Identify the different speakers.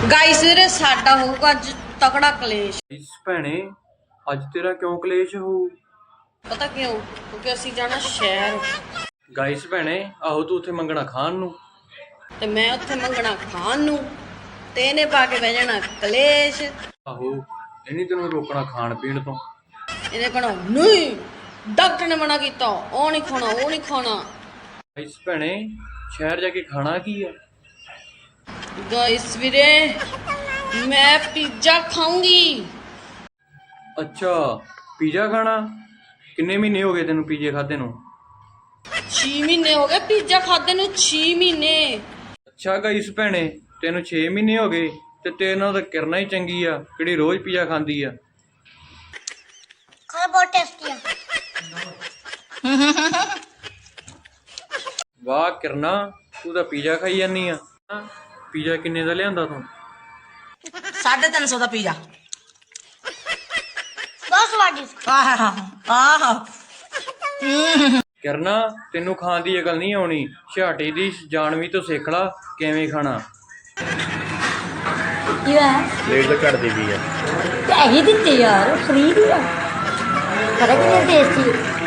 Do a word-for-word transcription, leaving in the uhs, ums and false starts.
Speaker 1: Guys ਵੀਰੇ ਸਾਡਾ ਹੋਊਗਾ ਅੱਜ ਤਕੜਾ ਕਲੇਸ਼।
Speaker 2: ਇਸ ਭੈਣੇ ਅੱਜ ਤੇਰਾ ਕਿਉਂ ਕਲੇਸ਼ ਹੋਊ?
Speaker 1: ਪਤਾ ਕਿਉਂ? ਕਿਉਂਕਿ ਅਸੀਂ ਜਾਣਾ ਸ਼ਹਿਰ
Speaker 2: ਗਾਇਸ ਭੈਣੇ ਆਹੋ ਤੂੰ ਉੱਥੇ ਮੰਗਣਾ ਖਾਣ ਨੂੰ
Speaker 1: ਤੇ ਮੈਂ ਉੱਥੇ ਮੰਗਣਾ ਖਾਣ ਨੂੰ ਤੇ ਇਹਨੇ ਪਾ ਕੇ ਬਹਿ ਜਾਣਾ ਕਲੇਸ਼।
Speaker 2: ਆਹੋ ਇਹਨੇ ਤੈਨੂੰ ਰੋਕਣਾ ਖਾਣ ਪੀਣ ਤੋਂ।
Speaker 1: ਇਹਨੇ ਕਹਣਾ ਨਹੀਂ ਡਾਕਟਰ ਨੇ ਮਨਾ ਕੀਤਾ, ਉਹ ਨਹੀਂ ਖਾਣਾ ਉਹ ਨਹੀਂ ਖਾਣਾ।
Speaker 2: ਗਾਇਸ ਭੈਣੇ ਸ਼ਹਿਰ ਜਾ ਕੇ ਖਾਣਾ ਕੀ ਆ?
Speaker 1: गाइस ਵੀਰੇ मैं पिज्जा खाऊंगी।
Speaker 2: ਅੱਛਾ ਪੀਜ਼ਾ ਖਾਣਾ? ਕਿੰਨੇ ਮਹੀਨੇ ਹੋ ਗਏ ਤੈਨੂੰ ਪੀਜ਼ੇ ਖਾਦੇ ਨੂੰ?
Speaker 1: छे महीने हो गए पिज्जा खादे ਨੂੰ, छे महीने।
Speaker 2: ਅੱਛਾ ਗਾਇਸ ਭੈਣੇ ਤੈਨੂੰ ਛੇ ਮਹੀਨੇ ਹੋ ਗਏ ਤੇ ਤੇਰੇ ਨਾਲ ਤਾਂ ਕਿਰਨਾ ਹੀ ਚੰਗੀ ਆ ਕਿਹੜੀ ਰੋਜ਼ ਪੀਜ਼ਾ ਖਾਂਦੀ ਆ।
Speaker 3: ਖਾਣਾ ਬਹੁਤ ਟੇਸਟੀ ਆ।
Speaker 2: ਵਾਹ ਕਿਰਨਾ ਤੂੰ ਤਾਂ ਪੀਜ਼ਾ ਖਾਈ ਜਾਂਦੀ ਆ। ਪੀਜ਼ਾ ਕਿੰਨੇ ਦਾ ਲਿਆਂਦਾ ਤੂੰ?
Speaker 4: साढ़े तीन सौ का पिज्जा।
Speaker 3: ਬਹੁਤ ਸਵਾਦਿਸ਼ਟ।
Speaker 4: आह आह
Speaker 2: ਕਿਰਨਾ ਤੈਨੂੰ ਖਾਣ ਦੀ ਅਕਲ ਨਹੀਂ ਆਉਣੀ, ਛਾਟੀ ਦੀ ਜਾਣਵੀ ਤੋਂ ਸਿੱਖ ਲਾ ਕਿਵੇਂ ਖਾਣਾ।
Speaker 4: ਕੀ ਹੈ
Speaker 5: ਪਲੇਟ ਤਾਂ ਘੱਟ ਦੀ ਵੀ ਆ।
Speaker 4: ਪੈਸੇ ਦਿੱਤੇ ਯਾਰ, ਫ੍ਰੀ ਦੀ ਆ। ਪਤਾ ਕਿੰਨੇ ਟੇਸਟੀ